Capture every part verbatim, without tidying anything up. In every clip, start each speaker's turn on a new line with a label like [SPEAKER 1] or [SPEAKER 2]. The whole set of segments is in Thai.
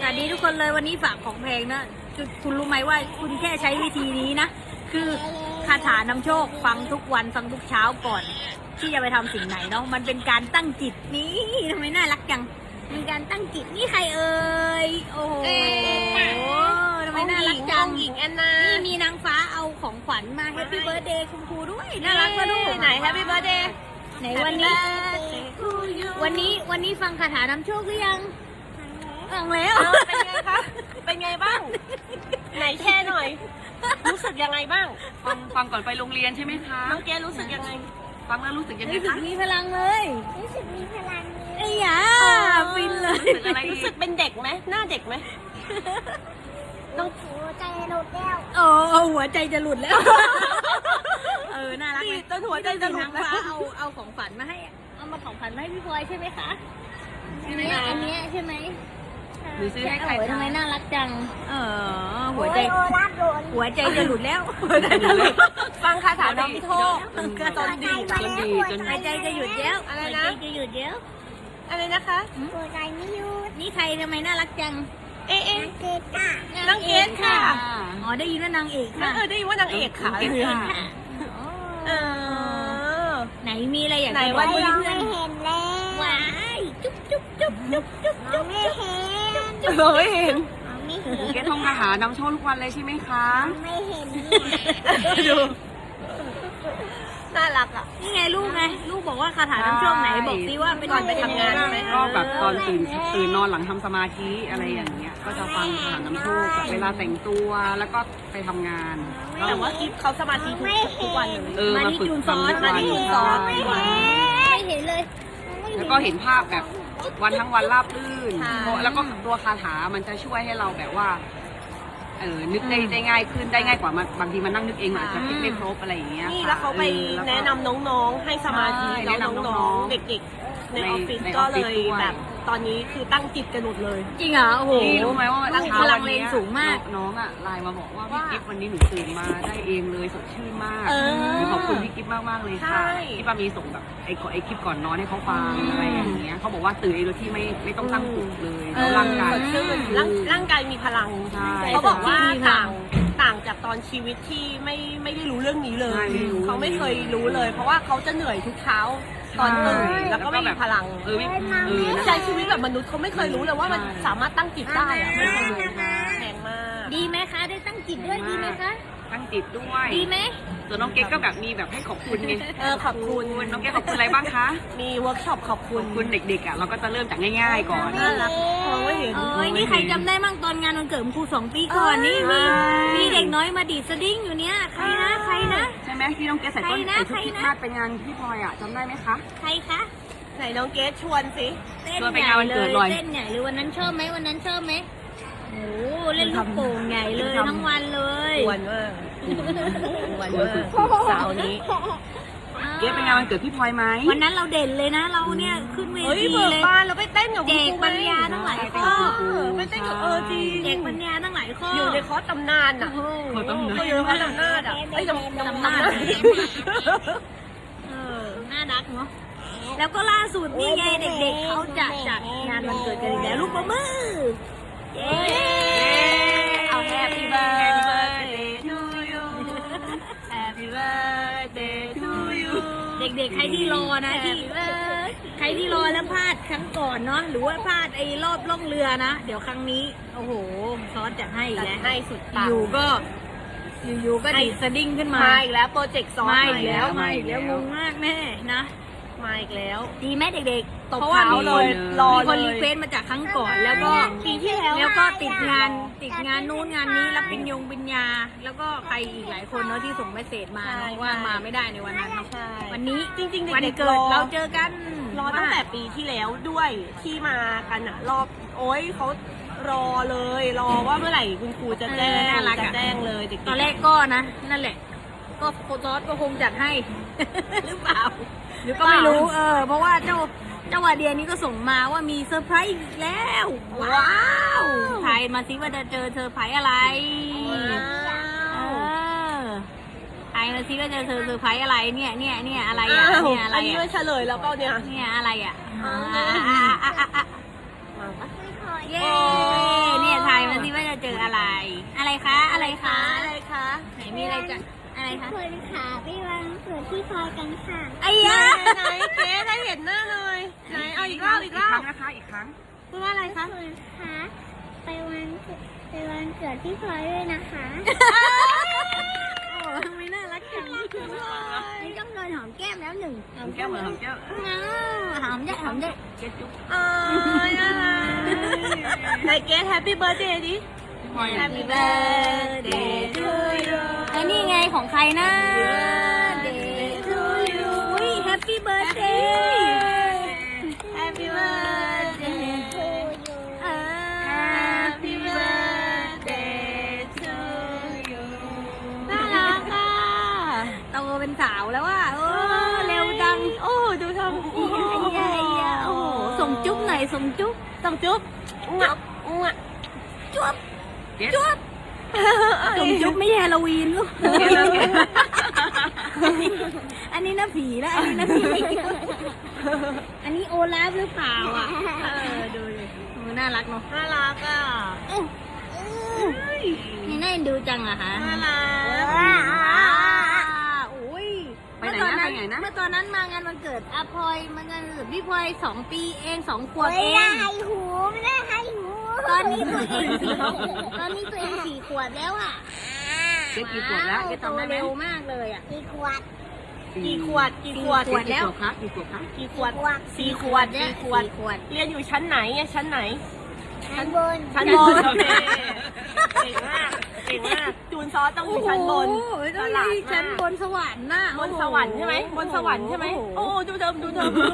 [SPEAKER 1] วัสดีทุกคนเลยวันนี้ฝากของแพงนะคุณรู้ไหมว่าคุณแค่ใช้วิธีนี้นะคือคาถานำโชคฟังทุกวันฟังทุกเช้าก่อน ที่จะไปทำสิ่งไหนเนาะมันเป็นการตั้งจิตนี่ทำไมน่ารักจังเป็นการตั้งจิตนี่ใครเอ่ยโอ้โหทำไมน่ารักจัง
[SPEAKER 2] หญิงแอนนา
[SPEAKER 1] นี่มีนางฟ้าเอาของขวัญมาแฮปปี้เบิร์ธเดย์คุณครูด้วยน่ารักมาดู
[SPEAKER 2] ไหนแฮปปี้เบิร์ธเดย์
[SPEAKER 1] ไหนวันนี้วันนี้วันนี้ฟังคาถานำโชคหรือยังฟังแล้ว
[SPEAKER 2] เป็นไงคะเป็นไงบ้างไหนแช่หน่อยรู้สึกยังไงบ้าง
[SPEAKER 3] ฟังฟังก่อนไปโรงเรียนใช่ไหมคะ
[SPEAKER 2] น้องแกรู้สึกยังไง
[SPEAKER 3] ฟังแล้วรู้สึกยังไงคะ
[SPEAKER 1] รู้สึกมีพลังเลย
[SPEAKER 4] รู้สึกมีพลังเลย
[SPEAKER 1] ไอ้ยาฟินเลย
[SPEAKER 3] รู้สึกอะไร
[SPEAKER 2] รู้สึกเป็นเด็กไหมหน้าเด็กไหม
[SPEAKER 4] น้องหัวใจหลุดแล้ว
[SPEAKER 1] โอ้หัวใจจะหลุดแล้วเออน่ารักไหม
[SPEAKER 2] ต้นหัวใจจะหลุดแล้ว
[SPEAKER 1] เอาเอาของฝันมาให้เอามาของฝันมาให้พี่พลอยใช่ไหมคะใช่ไหมอันนี้ใช่ไหม
[SPEAKER 3] หนูซื้อให้ใคร
[SPEAKER 1] ทำไมน่ารักจังเออหัวใจหัวใจจะหลุดแล้ว
[SPEAKER 2] ฟังคาถาน้ำโชค
[SPEAKER 3] จนดีจนดีจน
[SPEAKER 1] หัวใจจะหยุดแล้ว
[SPEAKER 2] อะไรนะ
[SPEAKER 1] จะหยุดแล้ว
[SPEAKER 2] อะไรนะคะ
[SPEAKER 4] หัวใจไม่หยุด
[SPEAKER 1] นี่ใครทำไมน่ารักจัง
[SPEAKER 2] เอ๊ะ
[SPEAKER 4] เกตค่ะ
[SPEAKER 2] นางเอกค่ะ
[SPEAKER 1] อ๋อได้ยินว่านางเอกค่ะ
[SPEAKER 2] เออได้ยินว่านางเอกค่ะเออ
[SPEAKER 1] ไหนมีอะไรอยาก
[SPEAKER 2] ไหน
[SPEAKER 1] จะบ
[SPEAKER 4] วั
[SPEAKER 1] อน ก
[SPEAKER 4] นี้
[SPEAKER 1] เพื่อน
[SPEAKER 4] ไม่เห็นแล้ว
[SPEAKER 1] ว้ายจุ๊บจุ๊บจุ๊บจุ๊บจุ๊บจุ๊บ
[SPEAKER 4] ไม่เห็น
[SPEAKER 2] เราไม่เห็น
[SPEAKER 4] ไม่เห็น
[SPEAKER 3] แกท่องคาถานำโชคทุกวันเลยใช่ไหมคะ
[SPEAKER 4] ไม่เห็น
[SPEAKER 2] ดูน่ารักอ่ะ
[SPEAKER 1] นี่ไงลูกไงลูกบอกว่าคาถาน้ำโชคไหนบอกซิว่าเป็น
[SPEAKER 2] ก่อนไปทำงานใช่ไหม
[SPEAKER 3] ก็แบบตอนตื่นตื่นนอนหลังทำสมาธิอะไรอย่างเงี้ยก็จะฟังคาถานำโชคแบบเวลาแต่งตัวแล้วก็ไปทำงาน
[SPEAKER 2] แต่ว่ากิฟเขาสมาธิทุกทุกวันเลย
[SPEAKER 3] เออ
[SPEAKER 1] มา
[SPEAKER 3] มา
[SPEAKER 1] ที่
[SPEAKER 3] ฝึก
[SPEAKER 1] จูนซ้อน
[SPEAKER 3] ทำทุก
[SPEAKER 1] มา
[SPEAKER 3] วัน
[SPEAKER 1] ที่จูนซ้อนไม่เห็นเลย
[SPEAKER 3] แล้วก็เห็นภาพแบบวันทั้งวันราบรื่นแล้วก็ตัวคาถามันจะช่วยให้เราแบบว่าเออนึกได้ได้ง่ายขึ้นได้ง่ายกว่ามันบางทีมันนั่งนึกเองอาจจะคิดไม่ครบอะไรอย่างเงี้ย
[SPEAKER 2] นี่แล้วเขาไปแนะนำน้องๆให้สมาธิแล้วน้องๆเด็กๆในออฟฟิศก็เลยแบบตอนนี้คือตั้งจิตกันหมดเลย
[SPEAKER 1] จริงเหรอโอ้โห
[SPEAKER 3] รู้ไหมว่า
[SPEAKER 1] ตั้งพลังเลนสูงมาก
[SPEAKER 3] น้องอ่ะไลน์มาบอกว่าพี่กิฟวันนี้หนูตื่นมาได้เองเลยสดชื่นมากขอบคุณพี่กิฟมากมากเลยค่ะที่ป้ามีส่งแบบไอ้ไอ้คลิปก่อนนอนให้เขาฟังอะไรอย่างเงี้ยเขาบอกว่าตื่นเองโดยที่ไม่ไม่ต้องตั้งปลุกเลยแล้วร่างกาย
[SPEAKER 2] ร่างกายมีพลังเขาบอกว่าต่างต่างจากตอนชีวิตที่ไม่ไม่ได้รู้เรื่องนี้เลยเขาไม่เคยรู้เลย เพราะว่าเขาจะเหนื่อยทุกเช้าตอนตื่นแล้วก็ไม่มีพลัง
[SPEAKER 3] เออเออ
[SPEAKER 2] ใช้ชีวิตแบบมนุษย์เขาไม่เคยรู้เลยว่ามันสามารถตั้งจิตได้อะไม่เคยรู้แพงมาก
[SPEAKER 1] ดีไหมคะได้ตั้งจิตด้วยดีไหมคะ
[SPEAKER 3] ตั้งจิตด้วย
[SPEAKER 1] ดีไหม
[SPEAKER 3] ส่วนน้องเก๊กก็แบบมีแบบให้ขอบคุณไง
[SPEAKER 2] เออขอบคุณ
[SPEAKER 3] น้องเก๊กขอบคุณอะไรบ้างคะ
[SPEAKER 2] มีเวิร์กช็อปขอบคุณ
[SPEAKER 3] คุณเด็กๆอ่ะเราก็จะเริ่มจากง่ายๆก่อน
[SPEAKER 2] น่ารักมองไม่เห็น
[SPEAKER 1] เอ้ยนี่ใครจำได้มั่งตอนงานวันเกิดครูสองปีก่อนนี่มีมีเด็กน้อยมาดีดสดิ้งอยู่เนี้ยใครนะใครนะ
[SPEAKER 3] ใช่ไหมที่น้องเก๊กใส่ต้นใส่ชุดคิดมาดไปงานพี่พลอยอ่ะจำได้ไหมคะ
[SPEAKER 1] ใครคะ
[SPEAKER 2] ไหนน้องเกสชวนสิ
[SPEAKER 3] ชวนไปงานวันเกิดเลย
[SPEAKER 1] เต้นใหญ่เลยวันนั้นชอบไหมวันนั้นชอบไหมโอ้เล่นลูกโป่งใหญ่เลยทั้งวันเลย
[SPEAKER 2] วันมากวันมากสาวนี้
[SPEAKER 3] เก๊กไปงานวันเกิดพี่พลอยไหม
[SPEAKER 1] วันนั้นเราเด่นเลยนะเราเนี่ยขึ้นเวทีเลย
[SPEAKER 2] บ้านเราไปเต้นกับ
[SPEAKER 1] เด็กปัญญาทั้งหลายข้อ
[SPEAKER 2] ไปเต้นกับเออจริง
[SPEAKER 1] เด็กปัญญาทั้งหลายข้อ
[SPEAKER 2] อยู่ในคอร์สตำนานอ่ะ
[SPEAKER 3] เขาตำนาน
[SPEAKER 2] อยู่ในคอร์สตำนานอ่ะไอ้ตำนาน
[SPEAKER 1] เออน่ารักเนาะแล้วก็ล่าสุดนี่ไงเด็กๆเขาจะจัดงานวันเกิดกันอีกแล้วลูกประมือเย้
[SPEAKER 2] เอา Happy Birthday to you Happy Birthday to you
[SPEAKER 1] เด็กๆใครที่รอนะที่ใครที่รอแล้วพลาดครั้งก่อนเนาะหรือว่าพลาดไอ้รอบล่องเรือนะเดี๋ยวครั้งนี้โอ้โหซอสจัดให้แล้ว
[SPEAKER 2] ให้สุดปัง
[SPEAKER 1] อยู่ก็อยู่ๆก็ดีดสดิ้งขึ้นมา
[SPEAKER 2] มาอีกแล้วโปรเจกต์ซอส
[SPEAKER 1] มาอีกแล้วมาอีกแล้วงงมากแม่นะ
[SPEAKER 2] มาอีกแล้ว
[SPEAKER 1] ดีไหมเด็กๆ
[SPEAKER 2] เพราะว่ามีคนรอ
[SPEAKER 1] มีคนรีเควสมาจากครั้งก่อนแล้วก็
[SPEAKER 2] ปีที่แล้ว
[SPEAKER 1] แล้วก็ติดงานติดงานนู้นงานนี้รับปริญญงปริญญาแล้วก็ใครอีกหลายคนเนาะที่ส่งเมสเสจมาว่ามาไม่ได้ในวันนั้นวันนี้
[SPEAKER 2] จริงๆ
[SPEAKER 1] วันเกิดเราเจอกัน
[SPEAKER 2] รอตั้งแต่ปีที่แล้วด้วยที่มากันอะรอบโอ้ยเขารอเลยรอว่าเมื่อไหร่คุณครูจะแจ้งจะแจ้งเลย
[SPEAKER 1] ตอนแรกก็นะนั่นแหละก็โค้ชซอสก็คงจัดให้หรือเปล่าหรือก็ไม่รู้เออเพราะว่าเจ้าเจ้าวาเดียนี้ก็ส่งมาว่ามีเซอร์ไพรส์อีกแล้วว้าวทายมาซิว่าจะเจอเซอร์ไพรส์อะไรเออทายมาซิว่าจะเจอเซอร์ไพรส์อะไรเนี่ยเนี่ยเนี่ยอะไรอ่ะเนี่ยอะไร
[SPEAKER 2] อันนี้ไม่เฉลยแล้วเปล่าเนี่ย
[SPEAKER 1] เนี่ยอะไรอ่ะเย้เนี่ยอะไรคะ อะไรคะ
[SPEAKER 2] อะไรคะ
[SPEAKER 1] ไหนมีอะไรจะอะไรคะ
[SPEAKER 4] คนขาไปวันเกิดพี่พลอยกันค่ะ
[SPEAKER 1] ไอ้ยะ
[SPEAKER 2] ไหนเจ๊ได้เห็นหน้าเลยไหนเอาอีกรอบอีกร
[SPEAKER 3] ค
[SPEAKER 2] อ
[SPEAKER 3] รั้
[SPEAKER 2] บ
[SPEAKER 3] งนะคะอีกครั้ง
[SPEAKER 2] พูดว่าอะไรคะ
[SPEAKER 4] คนขาไปวันเกิดไปวันเกิดพี่พลอยด้วยนะคะ
[SPEAKER 1] โอ้ทำไมน่ารักจังนี่ต้องโดนหอมแก้มแล้วหนึ่ง
[SPEAKER 3] หอมแก้มเหมือนหอมแก้ม
[SPEAKER 1] อ้าวหอมได้หอมได้
[SPEAKER 3] เจ๊จุ๊บ
[SPEAKER 2] เอ้ยอะไรไหนเกสแฮปปี้เบิร์ดเดย์ดิ
[SPEAKER 3] พลอย
[SPEAKER 1] Happy birthday to you ไอ้นี่ไงของใครนะ Birthday to you อุ้ย Happy birthday Happy birthday
[SPEAKER 4] ทูยู
[SPEAKER 1] เออ
[SPEAKER 2] Happy birthday to you น่ารักอ่ะ
[SPEAKER 1] โตเป็นสาวแล้วว่ะโอ้เร็วจัง
[SPEAKER 2] โอ้ดูทำ
[SPEAKER 1] ไอ้ยะไอ้ยะไอ้ยะโอ้โหส่งจุ๊บหน่อยส่งจุ๊บ
[SPEAKER 2] ต้องจุ๊บอุ้งอ่ะอุ้งอ่ะ
[SPEAKER 1] จุ๊บ
[SPEAKER 3] เจ๊
[SPEAKER 1] จุ๊บส่งจุ๊บไม่ใช่ฮาโลวีนลูกอันนี้น่าผีแล้วอันนี้น่าผีอันนี้โอลาฟหรือเปล่าอ่ะเออดูดิโอ้น่ารักเนาะ
[SPEAKER 2] น่ารักอ่ะ
[SPEAKER 1] นี่น่าเอ็นดูจังอะคะ
[SPEAKER 2] น่ารัก
[SPEAKER 1] ว้าวอุ้ย
[SPEAKER 3] ไปไหนนะไปไหนนะ
[SPEAKER 1] เมื่อตอนนั้นมางานวันเกิดอาพลอยมางานวันเกิดพี่พลอยสองปีเองสองขวบ
[SPEAKER 4] ไม่
[SPEAKER 1] เอ
[SPEAKER 4] ได้
[SPEAKER 1] ง
[SPEAKER 4] ให้หูไม่ได้ให้หู
[SPEAKER 1] ตอนนี้ตัวเองสี่ขวบตอนนี้ตัวเองสี่ขวบแล้วอ่ะ
[SPEAKER 3] เจ๊กี่ขวบแล้วเจ๊
[SPEAKER 1] โต
[SPEAKER 3] จำได้ไหม
[SPEAKER 1] เร็วมากเลยอ่ะ
[SPEAKER 4] กี่ขวด
[SPEAKER 2] กี่ขวดกี่ขวด
[SPEAKER 1] ขวดแล้ว
[SPEAKER 3] กี่ขวบคะกี่ขวบคะ
[SPEAKER 2] กี่ขวด
[SPEAKER 4] ขวด
[SPEAKER 2] สี่ขวด
[SPEAKER 1] เนี่ย
[SPEAKER 2] สี่ขวด
[SPEAKER 1] สี่ขวด
[SPEAKER 2] เรียนอยู่ชั้นไหนอะชั้นไหน
[SPEAKER 4] ชั้นบน
[SPEAKER 2] ชั้นบนโอเคเก่งมากเก่งมากจูนซอสต้องอยู่ชั้นบน
[SPEAKER 1] โอ้โหต้อง
[SPEAKER 2] ฉลาด
[SPEAKER 1] มี
[SPEAKER 2] มาก
[SPEAKER 1] ชั้นบนสวรรค์น่ะ
[SPEAKER 2] บนสวรรค์ใช่ไหมบนสวรรค์ใช่ไหมโอ้ดูเดิมดูเดิมดู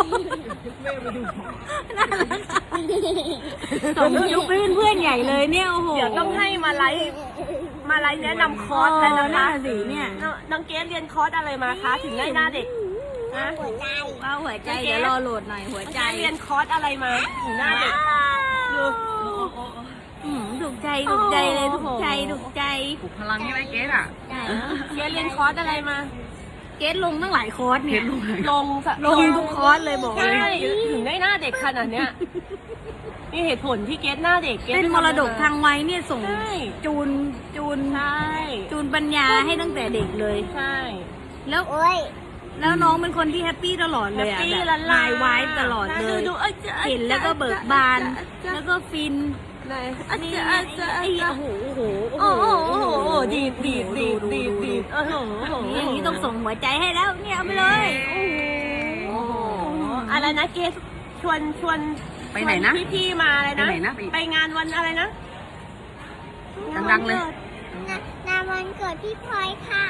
[SPEAKER 1] น่ารักอะส่งยุคเพื่อนเพื่อนใหญ่เลยเนี่ยโอ้โห
[SPEAKER 2] เดี๋ยวต้องให้มาไลฟ์มาไลฟ์แนะนำคอร์สแล้วนะ
[SPEAKER 1] น่า
[SPEAKER 2] คะ
[SPEAKER 1] สิเนี่ย
[SPEAKER 2] น้องน้องเกสเรียนคอร์สอะไรมาคะถึงได้หน้าเด็กนะ
[SPEAKER 4] หัวใจ
[SPEAKER 1] เอาหัวใจเดี๋ยวรอโหลดหน่อยหัว
[SPEAKER 2] น้อง
[SPEAKER 1] ใจ
[SPEAKER 2] เกสเรียนคอร์สอะไรมาถึงหน้าเด็กดู
[SPEAKER 1] อืมถูกใจถูกใจเลยถูกใจถูกใจ
[SPEAKER 3] ปลุกพลังใช่ไหมเจ๊อ่ะ
[SPEAKER 2] เกสเรียนคอร์สอะไรมา
[SPEAKER 1] เกสลงตั้งหลายคอร์สเนี่ย
[SPEAKER 2] ลงสะ
[SPEAKER 1] ลงทุกคอร์สเลยบอกเล
[SPEAKER 2] ใช่
[SPEAKER 1] ย
[SPEAKER 2] ถึงได้หน้าเด็กขนาดเนี้ยนี่เหตุผลที่เกสหน้าเด็กเกส
[SPEAKER 1] เป็นมรดกทางวัยเนี่ยส่ง
[SPEAKER 2] ใช่
[SPEAKER 1] จูนจูน
[SPEAKER 2] ใช่
[SPEAKER 1] จูนปัญญาให้ตั้งแต่เด็กเลย
[SPEAKER 2] ใช่
[SPEAKER 1] แล้ว
[SPEAKER 4] โอ้ย
[SPEAKER 1] แล้วน้องเป็นคนที่แฮปปี้ตลอด
[SPEAKER 2] แฮ
[SPEAKER 1] เลย
[SPEAKER 2] ป
[SPEAKER 1] อะ
[SPEAKER 2] ปี้
[SPEAKER 1] แบบ
[SPEAKER 2] ละลาย
[SPEAKER 1] ไวายตลอดเลย
[SPEAKER 2] ดูเอ้ยจ๊ะ
[SPEAKER 1] เห็นแล้วก็เบิกบาน แล้วก็ฟิน
[SPEAKER 2] ไหน
[SPEAKER 1] อันนี้ไอ้โอ้โหโอ้โห
[SPEAKER 2] โอ้โหโอ้โหโอ้โหดีดดีดดีดดีดดีดโอ้โหโอ้โห
[SPEAKER 1] นี่อย่างนี้ต้องส่งหัวใจให้แล้วเนี่ยเอาไปเลยโอ้โห
[SPEAKER 2] โอ้โหอะไรนะเกสชวนชวน
[SPEAKER 3] ไปไหนนะ
[SPEAKER 2] พี่พี่ๆมาอะไรนะ
[SPEAKER 3] ไปไหนนะไป
[SPEAKER 2] ไปงานวันอะไรนะ
[SPEAKER 3] ดังๆเลย
[SPEAKER 4] งานวันเกิดพี่พลอยค่ะ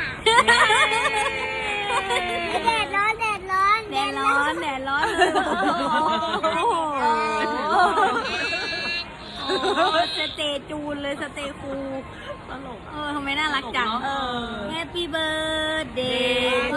[SPEAKER 4] แดดร้อนแดดร้อน
[SPEAKER 1] แดดร้อนแดดร้อนเลยโอ้โหโอ้โหสเตจูนเลยสเตคูตลกเออทำไมน่ารักจัง
[SPEAKER 2] เออ
[SPEAKER 1] Happy birthday to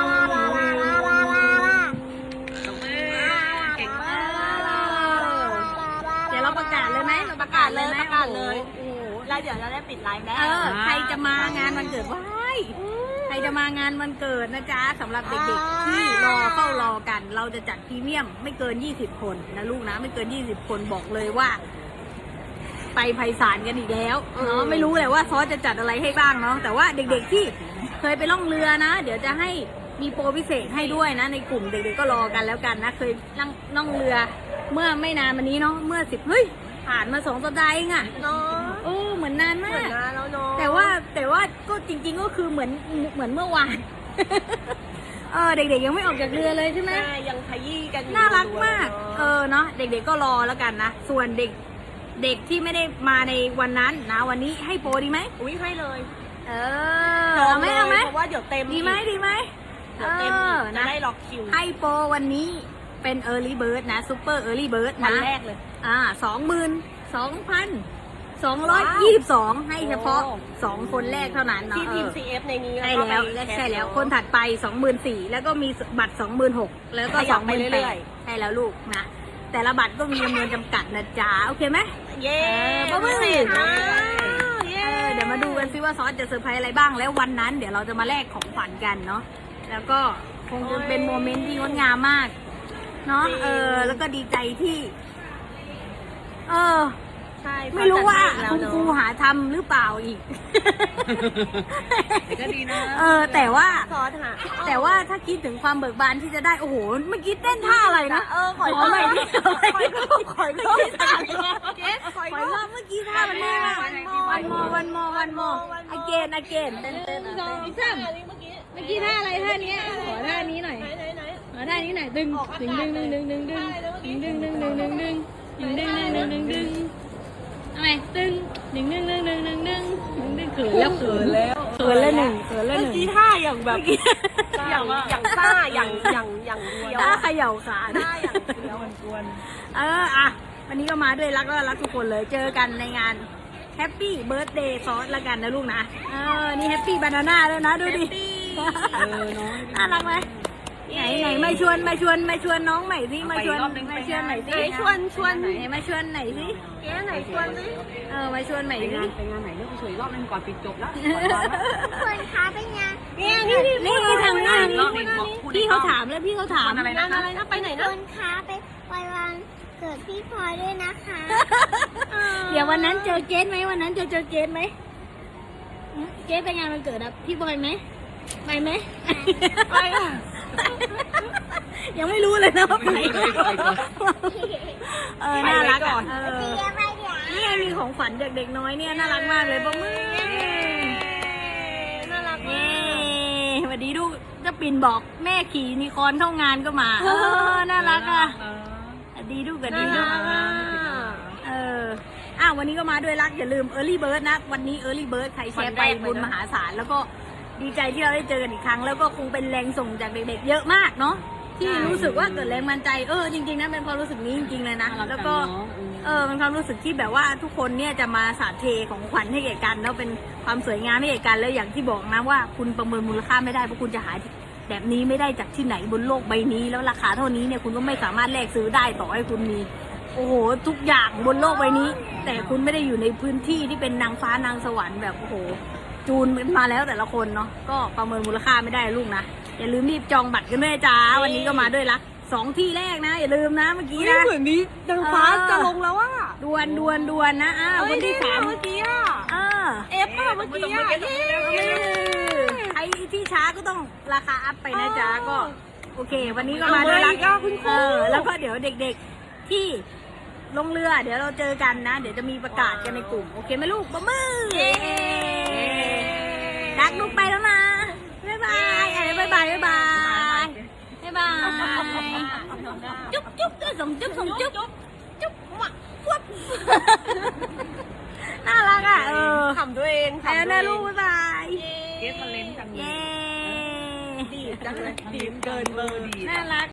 [SPEAKER 3] เก่งมาก
[SPEAKER 1] เดี๋ยวเราประกาศเลยไหมเราประกาศเลยไหม
[SPEAKER 2] ประกาศเลย
[SPEAKER 1] โอ้โห
[SPEAKER 2] แล้วเดี๋ยวเราได้ปิดไลฟ์แล้ว
[SPEAKER 1] เออใครจะมางานวันเกิดว้ายใครจะมางานวันเกิดนะจ๊ะสำหรับเด็กๆที่รอเฝ้ารอกัน เราจะจัดพรีเมียมไม่เกินยี่สิบคนนะลูกนะไม่เกินยี่สิบคนบอกเลยว่า ไปไพศาลกันอีกแล้วเนาะไม่รู้เลยว่าซอสจะจัดอะไรให้บ้างเนาะแต่ว่าเด็กๆที่เคยไปล่องเรือนะ เดี๋ยวจะให้มีโปรพิเศษให้ด้วยนะ ในกลุ่มเด็กๆก็รอกันแล้วกันนะเคยล่องล่องเรือ เมื่อไม่นานมานี้เนาะเมื่อสิบเฮ้ยผ่านมาสองสัปดาห์เองอะ
[SPEAKER 2] เนาะ
[SPEAKER 1] โอ้เหมือนนาน
[SPEAKER 2] เห
[SPEAKER 1] มา
[SPEAKER 2] มือน
[SPEAKER 1] ก
[SPEAKER 2] นะแล้วเนาะ
[SPEAKER 1] แต่ว่าแต่ว่าก็จริง ๆก็คือเหมือนเหมือนเมื่อวาน เออเด็กๆยังไม่ออกจากเรือเลยใช่ไหม
[SPEAKER 2] แม่ยังขยี้กันอยู่
[SPEAKER 1] น่ารักมาก
[SPEAKER 2] เลย
[SPEAKER 1] เออเนาะเด็กๆก็รอแล้วกันนะส่วนเด็กเด็กที่ไม่ได้มาในวันนั้นนะวันนี้ให้โปรดีไหม
[SPEAKER 2] อุ้ยให้เลย
[SPEAKER 1] เออเอาไหมเอาไหม
[SPEAKER 2] เพราะว่าเดี๋ยวเต็ม
[SPEAKER 1] ดีไหมดีไหม
[SPEAKER 2] เดี๋ยวเต็ม
[SPEAKER 1] เอ
[SPEAKER 2] อี
[SPEAKER 1] อก
[SPEAKER 2] จะ
[SPEAKER 1] นะ
[SPEAKER 2] ได้ล็อกคิว
[SPEAKER 1] ให้โปรวันนี้เป็น Early Bird นะ Super Early Bird
[SPEAKER 2] วัน
[SPEAKER 1] นะ
[SPEAKER 2] แรกเลย
[SPEAKER 1] อ่าสองหมื่นสองพันสองร้อยยี่สิบสองให้เฉพาะ
[SPEAKER 2] โอ้
[SPEAKER 1] สองคนแรกเท่านั้นเนาะ
[SPEAKER 2] ที่ทีม
[SPEAKER 1] เออ
[SPEAKER 2] ซี เอฟ ในนี้
[SPEAKER 1] ใช่
[SPEAKER 2] ก็
[SPEAKER 1] แล้ว
[SPEAKER 2] ไป
[SPEAKER 1] และ
[SPEAKER 2] คส
[SPEAKER 1] ใช่แล้วคนถัดไปสองหมื่นสี่แล้วก็มีบัตรสองหมื่นหกแล้วก็
[SPEAKER 2] ข
[SPEAKER 1] ส
[SPEAKER 2] ยั
[SPEAKER 1] อบ งห
[SPEAKER 2] ไป
[SPEAKER 1] มื่น
[SPEAKER 2] เรื่
[SPEAKER 1] แป
[SPEAKER 2] อย
[SPEAKER 1] ดใช่แล้วลูกนะแต่ละบัตรก็มีจำนวนจำกัดนะจ๊ะโอเคไหม
[SPEAKER 2] เย้
[SPEAKER 1] เออ
[SPEAKER 2] พิเศษมากเย้
[SPEAKER 1] เออเดี๋ยวมาดูกันซิว่าซอสจะเซอร์ไพรส์อะไรบ้างแล้ววันนั้นเดี๋ยวเราจะมาแลกของขวัญกันเนาะแล้วก็คงจะเป็นโมเมนต์ที่งดงามมากเนาะเออแล้วก็ดีใจที่ เออ
[SPEAKER 2] ใช่
[SPEAKER 1] ไม่รู้ว่าคุณครูหาทำหรือเปล่าอีก
[SPEAKER 3] แต่ก็ดีนะ
[SPEAKER 1] เออ แต่ว่า
[SPEAKER 2] ซอสหา
[SPEAKER 1] แต่ว่าถ้าคิดถึงความเบิกบานที่จะได้โอ้โหเมื่อกี้เต้นท่าอะไรนะ
[SPEAKER 2] เออขอ
[SPEAKER 1] ขอใหม่ดิขอใหม่ดิ
[SPEAKER 2] ขอยรอบขอยรอบเกสขอย
[SPEAKER 1] ขอ
[SPEAKER 2] ร
[SPEAKER 1] ร
[SPEAKER 2] อ
[SPEAKER 1] อ
[SPEAKER 2] บบ
[SPEAKER 1] เมื่อกี้ท่ามันแน่มากวันมอวันมอวันมอ again again เต้นเต้น
[SPEAKER 2] สอง
[SPEAKER 1] เต้น
[SPEAKER 2] สามเมื่อกี้
[SPEAKER 1] เมื่อกี้ท่าอะไรท่านี้ขอท่านี้หน่อย
[SPEAKER 2] ไหนไหนไหน
[SPEAKER 1] ขอท่านี้หน่อยดึงดึงดึงดึงดึงดึงดึงดึงดึงดึงดึงดึงดึงดึงดึงดึงดึงดึงดึงทำไมดึงดึงดึงดึงดึงดึงดึงดึงดึงเขินแล้วเขินแล้วเขินแล้วหนึ่งเขินแล้วห
[SPEAKER 2] เมื่อ
[SPEAKER 1] นึ่ง
[SPEAKER 2] กี้ท่าอย่างแบบอย่างอย่างซ่าอย่างอย่างอย่างเดียว
[SPEAKER 1] ท่าเขย่าขา
[SPEAKER 2] ท่าอย่างเดียว
[SPEAKER 1] เอออ่ะวันนี้ก็มาด้วยรักแล้วรักทุกคนเลยเจอกันในงานแฮปปี้เบิร์ a เดย์ซอสละกันนะลูกนะเออนี่แฮปปี้บานาน่าด้วยนะดูดิ
[SPEAKER 3] เออน้อง
[SPEAKER 1] น่ารักไหมไหนไหนมาชวนมาชวนมาชวนน้องใหม่สิมาชวนมาชวนใหม่สิ
[SPEAKER 2] ไหนชวนชวน
[SPEAKER 1] ไหนมาชวนไหนสิ
[SPEAKER 2] เก๊ไหนชวนสิ
[SPEAKER 1] เออมาชวนใหม่
[SPEAKER 3] ไป
[SPEAKER 1] สิ
[SPEAKER 3] งานไปงานไหนเลือกเฉยรอบนึงก่อนปิดจบแล้ว
[SPEAKER 4] คนคะเป็นไง
[SPEAKER 2] เนี่ยนี่นี่
[SPEAKER 1] นี่ทางนี้
[SPEAKER 3] รอบนี้บอกพูด
[SPEAKER 1] พี่เขาถามแล้วพี่เขาถาม
[SPEAKER 3] อะไร
[SPEAKER 2] งานอะไรนะไปไหน
[SPEAKER 4] ค
[SPEAKER 2] นะ
[SPEAKER 4] นคะไปไปวันเกิดพี่พลอยด้วยนะคะ
[SPEAKER 1] เดี๋ยววันนั้นเจอเกสไหมวันนั้นเจอเจอเกสไหมเกสไปงานวันเกิดอะพี่บอยไหมไปไหม
[SPEAKER 2] ไปอ่ะ
[SPEAKER 1] ยังไม่รู้เลยนะว่าไปเออน่ารักอ่ะเออ
[SPEAKER 4] เดี๋ยวไปเดี๋ยว
[SPEAKER 1] นี่มีของขวัญจากเด็กน้อยเนี่ยน่ารักมากเลยปะมือ
[SPEAKER 2] น่ารัก
[SPEAKER 1] เย้
[SPEAKER 2] มาก
[SPEAKER 1] สวัสดีลูกเจะปิ่นบอกแม่ขี่ยูนิคอร์นเข้างานก็มาเออน่ารักอ่ะสวัสดีลูกสวัสดีลูก เอออ้าววันนี้ก็มาด้วยรักอย่าลืม Early Bird นะ วันนี้ Early Bird ใครแชร์ไปบุญมหาศาลแล้วก็ดีใจที่เราได้เจอกันอีกครั้ง แล้วก็คงเป็นแรงส่งจากเด็กๆ เยอะมากเนาะที่รู้สึกว่าเกิดแรงบันดาลใจเออจริงๆนะเป็นความรู้สึกนี้จริงๆเลยนะแล้วก็เออเป็นความรู้สึกที่แบบว่าทุกคนเนี่ยจะมาสาดเทของขวัญให้แก่กันแล้วเป็นความสวยงามให้แก่กันแล้วอย่างที่บอกนะว่าคุณประเมินมูลค่าไม่ได้เพราะคุณจะหาแบบนี้ไม่ได้จากที่ไหนบนโลกใบนี้ แล้วราคาเท่านี้เนี่ยคุณก็ไม่สามารถแลกซื้อได้ต่อให้คุณมี โอ้โหทุกอย่างบนโลกใบนี้ แต่คุณไม่ได้อยู่ในพื้นที่ที่เป็นนางฟ้านางสวรรค์แบบโอ้โหจูนมาแล้วแต่ละคนเนาะก็ประเมินมูลค่าไม่ได้ลูกนะอย่าลืมรีบจองบัตรกันด้วยจ้าวันนี้ก็มาด้วยรักสองที่แรกนะอย่าลืมนะเมื่อกี้
[SPEAKER 2] นี่
[SPEAKER 1] นะ
[SPEAKER 2] เหมือนนี้ดังฟ้าจะลงแล้วอ่ะ
[SPEAKER 1] ดวนดวนดวนนะอ้าวคนที่สาม
[SPEAKER 2] เมื่อกี้อ่ะ
[SPEAKER 1] เออ
[SPEAKER 2] เอฟป่ะเมื่อกี้อ่ะเย้
[SPEAKER 1] ใครที่ช้าก็ต้องราคาอัพไปนะจ๊ะก็โอเค วันนี้ก็มาด้วยรัก
[SPEAKER 2] เอาไว้อีกอ่ะคุณครู
[SPEAKER 1] เออแล้วก็เดี๋ยวเด็กๆที่ลงเรือเดี๋ยวเราเจอกันนะ เดี๋ยวจะมีประกาศกันในกลุ่ม โอเคไหมลูกปะมือรักลูกไปแล้วนะ บ๊ายบายอะไรบ๊ายบายบ๊ายบายบ๊ายบายจุ๊บจุ๊บส่งจุ๊บส่งจุ๊บจุ๊บหวักฟุบน่ารักอ่ะเออ
[SPEAKER 2] ขำตัวเอง
[SPEAKER 1] ไปแล้วนะลูกบ๊ายบาย
[SPEAKER 3] เกสมันเล่นจังเลย
[SPEAKER 1] เย้
[SPEAKER 2] ดีจังเลยดีเกินเบอร์ดี
[SPEAKER 1] น่ารัก